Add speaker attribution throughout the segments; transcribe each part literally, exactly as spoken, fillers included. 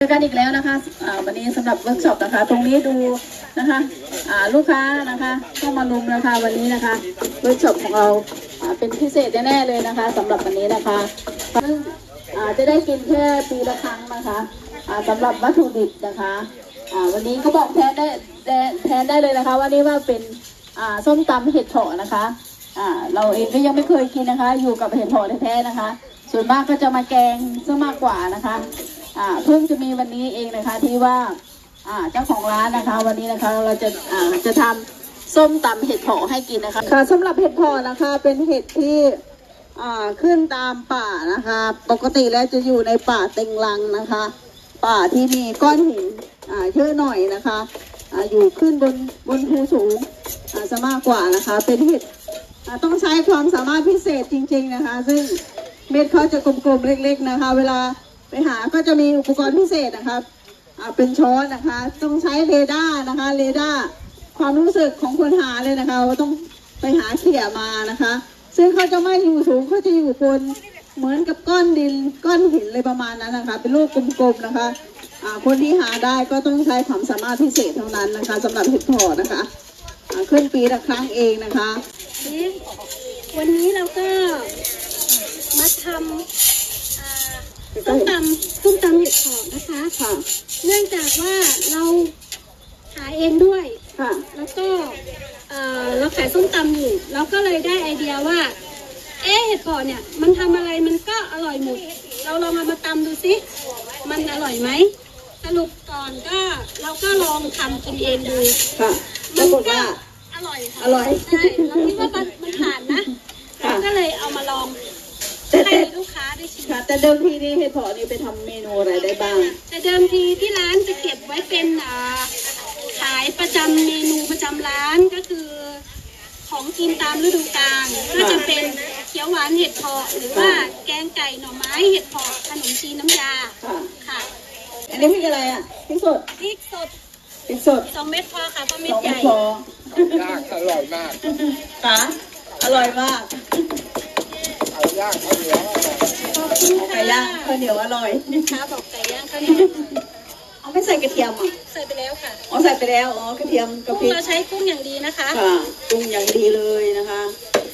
Speaker 1: เจอกันอีกแล้วนะคะวันนี้สำหรับเวิร์กช็อปนะคะตรงนี้ดูนะคะลูกค้านะคะเข้ามารุมนะคะวันนี้นะคะเวิร์กช็อปของเราเป็นพิเศษแน่ๆเลยนะคะสำหรับวันนี้นะคะซึ่งจะได้กินแค่ปีละครั้งนะคะสำหรับวัตถุดิบนะคะวันนี้เขาบอกแทนได้แทนได้เลยนะคะวันนี้ว่าเป็นส้มตำเห็ดเผาะนะคะเราเองก็ยังไม่เคยกินนะคะอยู่กับเห็ดเผาะแท้ๆนะคะส่วนมากก็จะมาแกงซะมากกว่านะคะอ่าเพิ่งจะมีวันนี้เองนะคะที่ว่าอ่าเจ้าของร้านนะคะวันนี้นะคะเราจะอ่าจะทำส้มตำเห็ดเผาะให้กินนะคะค่ะสำหรับเห็ดเผาะนะคะเป็นเห็ดที่อ่าขึ้นตามป่านะคะปกติแล้วจะอยู่ในป่าเต็งรังนะคะป่าที่มีก้อนหินอ่าเยอะหน่อยนะคะอ่าอยู่ขึ้นบนบนภูสูงอ่าจะมากกว่านะคะเป็นเห็ดอ่าต้องใช้ความสามารถพิเศษจริงๆนะคะซึ่งเม็ดเขาจะกลมๆเล็กๆนะคะเวลาไปหาก็จะมีอุปกรณ์พิเศษนะคะอ่าเป็นช้อนนะคะต้องใช้เรดาร์นะคะเรดาร์ความรู้สึกของคนหาเลยนะคะว่าต้องไปหาเขี่ยมานะคะซึ่งเขาจะไม่อยู่สูงเขาจะอยู่บนเหมือนกับก้อนดินก้อนหินเลยประมาณนั้นนะคะเป็นลูกกลมๆนะคะอ่าคนที่หาได้ก็ต้องใช้ความสามารถพิเศษเท่านั้นนะคะสำหรับเห็ดเผาะนะคะอ่าขึ้นปีละครั้งเองนะคะ
Speaker 2: วันนี้เราก็มาทำส้มตำส้มตำเห็ดเผาะนะคะค่ะเนื่องจากว่าเราขายเองด้วยค่ะแล้วก็เราขายส้มตำอยู่เราก็เลยได้ไอเดียว่าเอ๊ะเห็ดเผาะเนี่ยมันทำอะไรมันก็อร่อยหมดเราลองเอามาตำดูสิมันอร่อยไหมสรุปก่อนก็เราก็ลองทำกินเองดู
Speaker 1: ค่ะ
Speaker 2: มันก็อร่อย
Speaker 1: อร่อย
Speaker 2: ใช่เราคิดว่ามันผ่านนะเราก็เลยเอามาลองให้ลูกค้าได้ชิม
Speaker 1: ค่ะแต่เดิมทีนี่เห็ดเผาะนี่ไปทำเมนูอะไรได้บ้าง
Speaker 2: แต่เดิมทีที่ร้านจะเก็บไว้เป็นขายประจำเมนูประจำร้านก็คือของกินตามฤดูกาลก็จะเป็นเขียวหวานเห็ดเผาะหรือว่าแกงไก่หน่อไม้เห็ดเผาะขนมจีนน้ำยาค่ะ
Speaker 1: อันนี้พริกอะไรอ่ะพริกสด
Speaker 2: พริกสด
Speaker 1: พริกสด
Speaker 2: สองเม็ดพอค่ะเพราะเม็ดใหญ่
Speaker 3: ย่างอร่อยมาก
Speaker 1: ค่ะอร่อยมาก
Speaker 3: เอาย่างข้าวเหนียว
Speaker 1: ไก่ย่างข้าวเหนียวอร่อย
Speaker 2: นะคะบอกไก่ย่างข้าวเหนียว
Speaker 1: เอาไม่ใส่กระเทียมอ่ะ
Speaker 2: ใส่ไปแล้วค่ะ
Speaker 1: อ๋อใส่ไปแล้วอ๋อกระเทียมกระ
Speaker 2: พริกเราใช้กุ้งอย่างดีนะคะ
Speaker 1: ค่ะกุ้งอย่างดีเลยนะคะ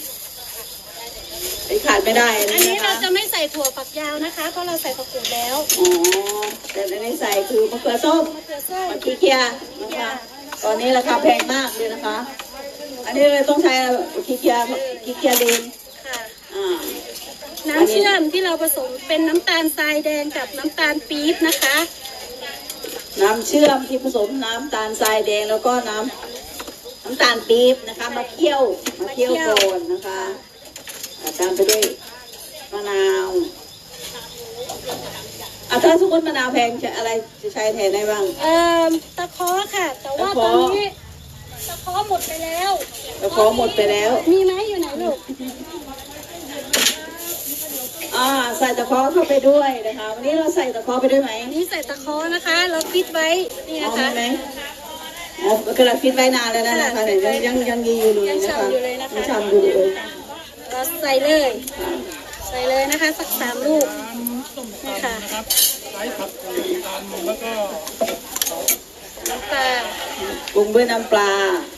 Speaker 1: ไอ้ขาดไม่ได้
Speaker 2: อันนี้เราจะไม่ใส่ถั่วฝักยาวนะคะเพราะเราใส่ผักกูดแล้ว
Speaker 1: อ๋อแต่ในนี้ใส่คือมะเขือส้ม
Speaker 2: มะเขือส้ม
Speaker 1: มะเขือนะคะตอนนี้ราคาแพงมากเลยนะคะอันนี้เลยต้องใช้ขี้เกียจขี้เกียจเดน
Speaker 2: ค่ะน้ำเชื่อมที่เราผสมเป็นน้ำตาลทรายแดงกับน้ำตาลปี๊บนะคะ
Speaker 1: น้ำเชื่อมที่ผสมน้ำตาลทรายแดงแล้วก็น้ำน้ำตาลปี๊บนะคะมาเคี่ยวมาเคี่ยวก่อนนะคะตามไปด้วยมะนาวอ่ะถ้าสมมติมะนาวแพงจะอะไรจะใช้แทนได้บ้าง
Speaker 2: เอ่อตะเคาะค่ะแต่ว่าตอนนี้ตะเคาะหมดไปแล้ว
Speaker 1: ตะเคาะหมดไปแล้ว
Speaker 2: มีไหมอยู่ไหนลูก
Speaker 1: อ่าใส่ตะเคาะเข้าไปด้วยนะคะวันนี้เราใส่ตะเคาะไปด้วยไหม
Speaker 2: นี่ใส่ตะเคาะนะคะเราฟิตไว้นี่นะคะ
Speaker 1: ไหมอ๋อกระดาษฟิตไว้นานแล้วนะคะเนี่ยยังยังยีอยู่เลยนะคะยังฉ่ำอยู่เลย
Speaker 2: เราใส่เลยใส่เลยนะคะสักสามลูกนะคะ
Speaker 3: ใช้ผักกูดตามแล้วก็
Speaker 2: น้ำปลา
Speaker 1: ปรุงด้วยน้ำปลา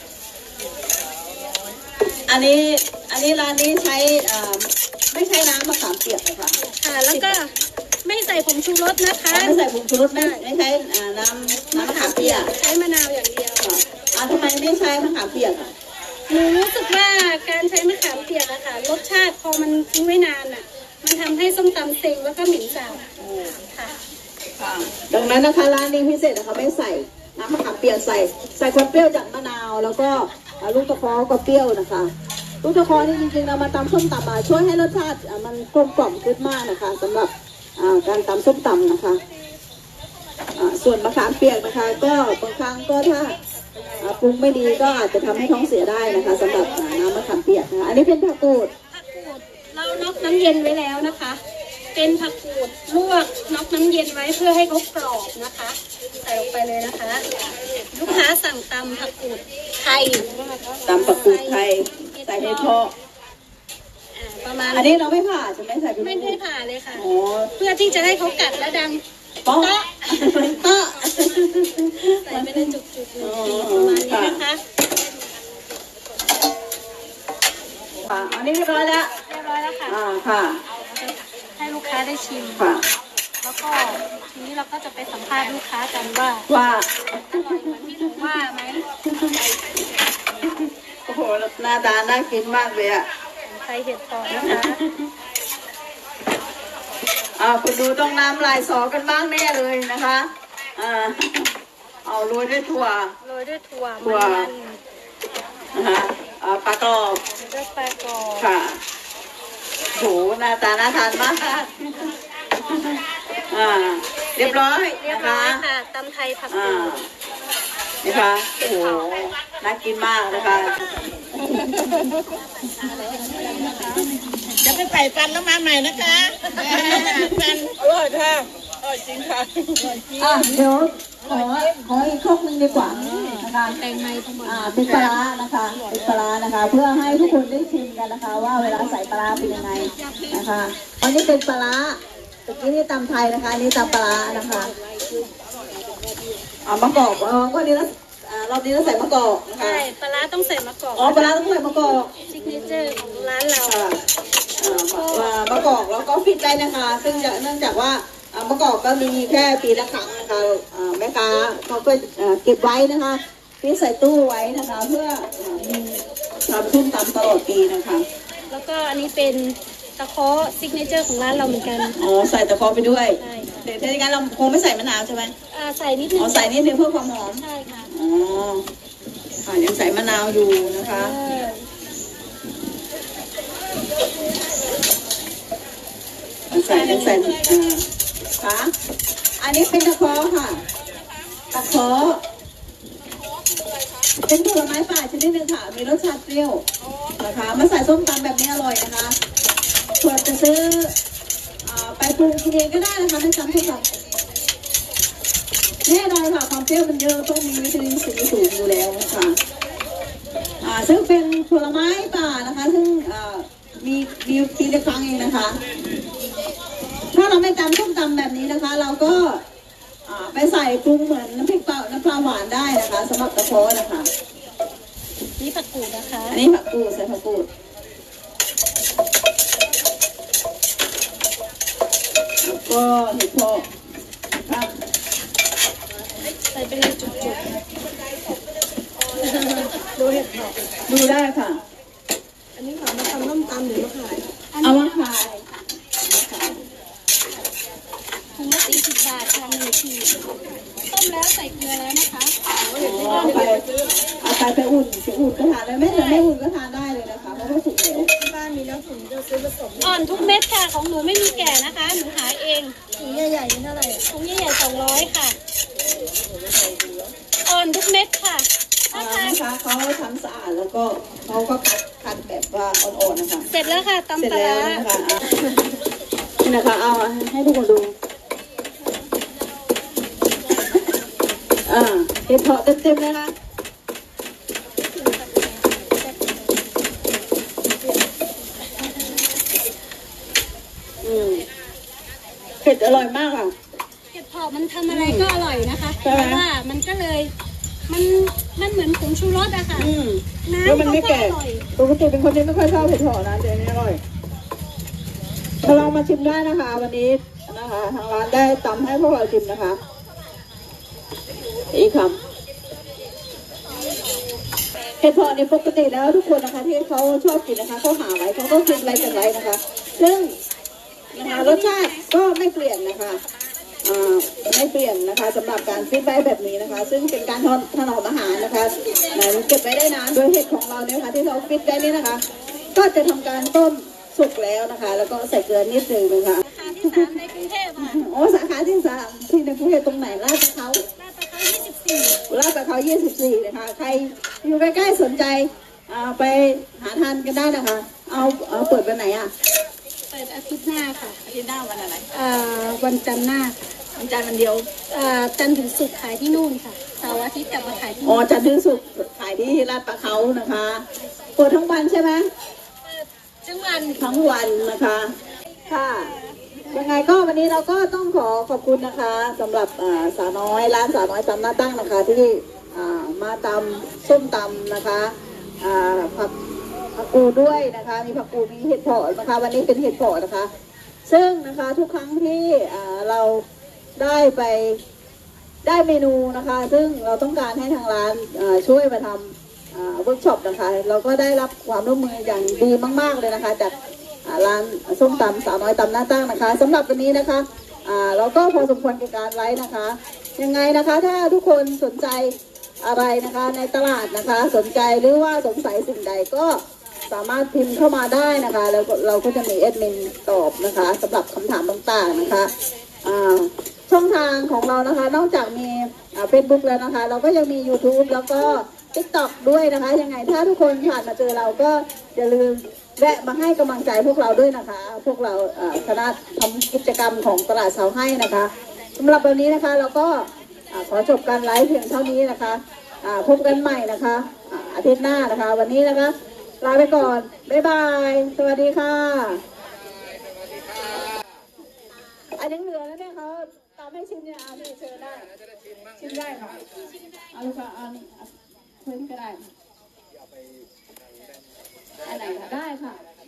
Speaker 1: อันนี้อันนี้ร้านนี้ใช้ไม่ใช้น้ำมะขามเปียกนะคะ
Speaker 2: ค่ะแล้วก็ไม่ใส่ผงชูรสนะคะ
Speaker 1: ไม่ใส่ผงชูรสไม่ไม่ใช้น้ำน้ำมะขามเปียก
Speaker 2: ใช้มะนาวอย่างเดียว
Speaker 1: อ่าทำไมไม่ใช้มะขามเปียกอ่ะ
Speaker 2: หนูรู้สึกว่าการใช้มะขามเปียกอะค่ะรสชาติพอมันทิ้งไว้นานอะมันทำให้ส้มตำเซ็งแล้วก็หมิ่นสาบค่ะ
Speaker 1: ดังนั้นนะคะร้านนี้พิเศษนะคะไม่ใส่น้ำมะขามเปียกใส่ใส่ความเปรี้ยวจากมะนาวแล้วก็ลูกตะเคาะก็เปรี้ยวนะคะลูกตะเคาะนี่จริงๆเรามาตำส้มตำมาช่วยให้รสชาติมันกลมกล่อมขึ้นมากนะคะสำหรับการตำส้มตำนะคะส่วนมะขามเปียกนะคะก็บางครั้งก็ถ้าปรุงไม่ดีก็อาจจะทำให้ท้องเสียได้นะคะสำหรับน้ำมะขามเปียกนะคะอันนี้เป็นผักกูด
Speaker 2: ผักกูดเราน็อกน้ำเย็นไว้แล้วนะคะเป็นผักกูดลวกน็อกน้ำเย็นไว้เพื่อให้เขากรอบนะคะใส่ลงไปเลยนะคะลูกค้าสั่งตำผักกูดไทย
Speaker 1: ตำผักกูดไทยใส่ในท่อ
Speaker 2: ประมาณ
Speaker 1: อันนี้เราไม่ผ่าจะไม่ใส่
Speaker 2: ไม่ได้ผ่าเลยค่ะเพื่อที่จะให้เขากัดและดัง
Speaker 1: โป๊ะโต๊ะ
Speaker 2: ใส่ไปในจุกๆหนึ่งทีประมาณนี้นะคะ
Speaker 1: ค่ะอันนี้เรียบร้อยแล้ว
Speaker 2: เรียบร้อยแล้วค่ะ
Speaker 1: อ่าค่ะ
Speaker 2: ให้ลูกค้าได้ชิม
Speaker 1: ค่ะ
Speaker 2: แล้วก็ทีนี้เราก็จะไปสัมภาษณ์ลูกค้ากันว่า
Speaker 1: ว่า
Speaker 2: อร่อยเหมือนที่หนูว่าไหม
Speaker 1: โอ้โหหน้าตาน่ากินมากเลยอ่ะ
Speaker 2: ใส่เห็ดฟองนะคะ
Speaker 1: อ่าคุณดูต้องน้ำลายสอกันบ้างแน่เลยนะคะอ่าเอาโรยด้วยถั่ว
Speaker 2: โรยด้วยถั่ว
Speaker 1: ถั่ว
Speaker 2: มัน
Speaker 1: นะคะอ่าปลากรอบ
Speaker 2: ๆด้วยปลากรอบ
Speaker 1: ค่ะโหหน้าตาน่าทานมากอ่าเรียบร้อย
Speaker 2: เรียบ
Speaker 1: นะ
Speaker 2: ร้อ
Speaker 1: คะ
Speaker 2: ยค่ะตำไทยผัก
Speaker 1: อ่า
Speaker 2: กูด
Speaker 1: นะคะโอ้โหน่ากินมากนะคะ
Speaker 4: จะไปใส่ฟันแล้วมาใหม่นะคะฟันอร่อยค่ะอร่อยจริงค่ะ
Speaker 1: อ่ะเดี๋ยวขอขออีกครกหนึ่งดีกว่านะคะ
Speaker 2: แตงไทยทั้งหมด
Speaker 1: อ่าเป็นปลาร้านะคะเป็นปลาร้านะคะ เพื่อให้ทุกคนได้ชิมกันนะคะ ว่าเวลาใส่ปลาร้าเป็นยังไงนะคะอันนี้เป็นปลาร้าตะกี้นี่ตำไทยนะคะอันนี้ตำปลาร้านะคะอ่ามะกอกอ๋อก็นี้แล้วอ่ารอบนี้เราใส่มะกอกนะคะ
Speaker 2: ใช่ปลาร้าต้องใส่มะกอก
Speaker 1: อ๋อปลาร้าต้องใส่มะกอก
Speaker 2: ซิกเนเจอร์ของร้านเรา
Speaker 1: ค่ะอ่ามะมะกอกแล้วก็ฟิตได้นะคะ ซึ่งจะเนื่องจากว่าอ่ามะกอกก็มีแค่ปีละครั้งนะคะอ่าแม่ค้าเขาก็อ่าเก็บไว้นะคะฟิตใส่ตู้ไว้นะคะ เพื่ออ่ามีทำชุ่มตำตลอดปีนะคะ
Speaker 2: แล้วก็อันนี้เป็นตะเคาะซิกเนเจอร์ของร้านเราเหมือนกัน
Speaker 1: อ๋อใส่ตะกร้อไปด้วย
Speaker 2: ใช่ค่ะ
Speaker 1: เดี๋ยวถ้าอย่างนั้นเราคงไม่ใส่มะนาวใช่ไหม
Speaker 2: อ่าใส่นิดนึง
Speaker 1: อ๋อใส่นิดนึงเพื่อความหอม
Speaker 2: ใช่ค่ะ
Speaker 1: อ๋อค่ะยังใส่มะนาวอยู่นะคะ
Speaker 2: เออ
Speaker 1: ยังใส่ยังใส่อ่าค่ะอันนี้เป็นตะกร้อค่ะตะกร้อเป็นผลไม้ป่าชนิดหนึ่งค่ะ มีรสชาติเปรี้ยวนะคะ มาใส่ส้มตำแบบนี้อร่อยนะคะส่วนจะซื้ออ่าไปปรุงกินเองก็ได้นะคะในตำส้มตำแน่นอนค่ะความเปรี้ยวมันเยอะต้องมีวิตามินซีสูงอยู่แล้วค่ะอ่าซึ่งเป็นผลไม้ป่านะคะ ซึ่งอ่ามีมีปีละครั้งเองนะคะ ถ้าเราไม่ตำส้มตำแบบนี้นะคะ เราก็อ่าไปใส่ปรุงเหมือนน้ำพริกเปล่าน้ำปลาหวานได้นะคะสำหรับกระเพาะนะคะ
Speaker 2: นี่ผักกูดนะคะ
Speaker 1: อันนี้ผักกูดใส่ผักกูดแล้วก็เห็ดเพาะครับ
Speaker 2: ใส่ไปเลยจุกๆดูเห็ดเผาะ
Speaker 1: ดูได้ค่ะ
Speaker 4: อันนี้ค่ะมาทำน้ำตำหรือมาขาย
Speaker 1: เอามาขาย
Speaker 2: ถุงละสี่สิบบาทค่ะหนึ่งขีดต้มแล้วใส่เกลือแล้วนะคะ
Speaker 1: เอาไปเอาไปไปอุ่นไปอุ่นก็ทานได้ไม่แต่ไม่อุ่นก็ทานได้เลยนะคะเพราะว่าสุกแล้ว
Speaker 4: ที่บ้านมีแล้วถุงจะซื้อผสม
Speaker 2: อ่อนทุกเม็ดค่ะ ของหนูไม่มีแก่นะคะ หนูหาเอง
Speaker 4: ถุงใหญ่ๆนี่เท่าไหร่
Speaker 2: ถุงใหญ่ๆสองร้อยค่ะ อ่อนทุกเม็ดค่ะ
Speaker 1: อ่า
Speaker 2: ถ้าทาน
Speaker 1: นะคะเขาทำสะอาดแล้วก็เขาก็คัดคัดแบบว่าอ่อนๆนะคะ
Speaker 2: เสร็จแล้วค่ะ
Speaker 1: เสร็จ
Speaker 2: ตำปลา
Speaker 1: แล้ว
Speaker 2: ร้า
Speaker 1: นะคะอ่ะนี่นะคะเอาให้ทุกคนดูอ่าเห็ดเพาะเต็มๆเลยนะอืมเผ็ดอร่อยมากค่ะ
Speaker 2: เห็ดเผาะมันทำอะไรก็อร่อยนะคะ
Speaker 1: ใช่
Speaker 2: เพ
Speaker 1: ไหม
Speaker 2: ราะว่ามันก็เลย มันมันเหมือนผงชูรสอะค่ะ
Speaker 1: อืม
Speaker 2: น้ำ
Speaker 1: แล้วมันไม่
Speaker 2: เขาก็
Speaker 1: แก่
Speaker 2: อร่อย
Speaker 1: ปกติเป็นคนที่ไม่ค่อยชอบเผ็ดหอนะแต่อันนี้อร่อยถ้าลองมาชิมได้นะคะ วันนี้นะคะทางร้านได้ตำให้พวกเราชิมนะคะอีกคำเห็ดเพาะนี่ปกติแล้วทุกคนนะคะ ที่เขาชอบกินนะคะเขาหาไว้เขาก็กินไว้กันไว้นะคะ ซึ่งนะคะรสชาติก็ไม่เปลี่ยนนะคะอ่าไม่เปลี่ยนนะคะสำหรับการฟิตไว้แบบนี้นะคะ ซึ่งเป็นการถนอมอาหารนะคะไหนเก็บไว้ได้นานโดยเห็ดของเราเนี่ยค่ะที่เราฟิตได้นี่นะคะ ก็จะทำการต้มสุกแล้วนะคะ แล้วก็ใส่เกลือนิดนึงนะคะ
Speaker 2: ราคาที่สามในกรุงเทพค่ะ
Speaker 1: โอ้สาขาที่สามที่ในกรุงเทพตรงไหนลาดประเขา
Speaker 2: ลาดประเขายี่สิบสี่
Speaker 1: ลาดประเขายี่สิบสี่นะคะ ใครอยู่ใกล้ๆสนใจอ่าไปหาทานกันได้นะคะ เอาเอาเปิดวันไหนอ่ะ
Speaker 2: เปิดอาทิตย์หน้าค่ะ
Speaker 1: อาทิตย์หน้าวันอะไร
Speaker 2: อ่าวันจันทร์หน้า
Speaker 1: วันจันทร์วันเดียว
Speaker 2: อ่าจันทร์ถึงศุกร์ขายที่นู่นค่ะเสาร์อาทิตย์กลับมาขายที่
Speaker 1: อ๋อ
Speaker 2: นู่น
Speaker 1: จันทร์ถึงศุกร์ขายที่ลาดประเขานะคะ เปิดทั้งวันใช่ไหม
Speaker 2: จังหวัด
Speaker 1: ทั้งวันนะคะ ค่ะยังไงก็วันนี้เราก็ต้องขอขอบคุณนะคะสำหรับอ่าสาวน้อยร้านสาวน้อยตำหน้าตั้งนะคะที่อ่ามาตำส้มตำนะคะอ่าผักผักกูดด้วยนะคะมีผักกูดมีเห็ดเผาะนะคะวันนี้เป็นเห็ดเผาะนะคะ ซึ่งนะคะทุกครั้งที่อ่าเราได้ไปได้เมนูนะคะ ซึ่งเราต้องการให้ทางร้านอ่าช่วยมาทำอ่าเวิร์กช็อปนะคะ เราก็ได้รับความร่วมมืออย่างดีมากๆเลยนะคะจากอ่าร้านส้มตำสาวน้อยตำหน้าตั้งนะคะสำหรับวันนี้นะคะอ่าเราก็พอสมควรกับการไลฟ์นะคะยังไงนะคะถ้าทุกคนสนใจอะไรนะคะในตลาดนะคะ สนใจหรือว่าสงสัยสิ่งใดก็สามารถพิมพ์เข้ามาได้นะคะแล้วเราก็จะมีแอดมินตอบนะคะสำหรับคำถามต่างๆนะคะอ่าช่องทางของเรานะคะนอกจากมีเฟซบุ๊กแล้วนะคะ เราก็ยังมี ยูทูบ แล้วก็ ติ๊กต็อก ด้วยนะคะยังไงถ้าทุกคนผ่านมาเจอเราก็อย่าลืมแวะมาให้กำลังใจพวกเราด้วยนะคะ พวกเราอ่าคณะทำกิจกรรมของตลาดเสาให้นะคะสำหรับวันนี้นะคะเราก็อ่าขอจบการไลฟ์เพียงเท่านี้นะคะอ่าพบกันใหม่นะคะอ่าอาทิตย์หน้านะคะ วันนี้นะคะลาไปก่อนบ๊ายบายสวัสดีค่ะอันยังเหลือแล้วเนี่ยเขาตามให้ชิมเนี่ยเอานี่เชิญได้ชิมได้ค่ะเอาลูกค่ะเอานี่เอาเพิ่มก็ได้อันไหนคะได้ค่ะ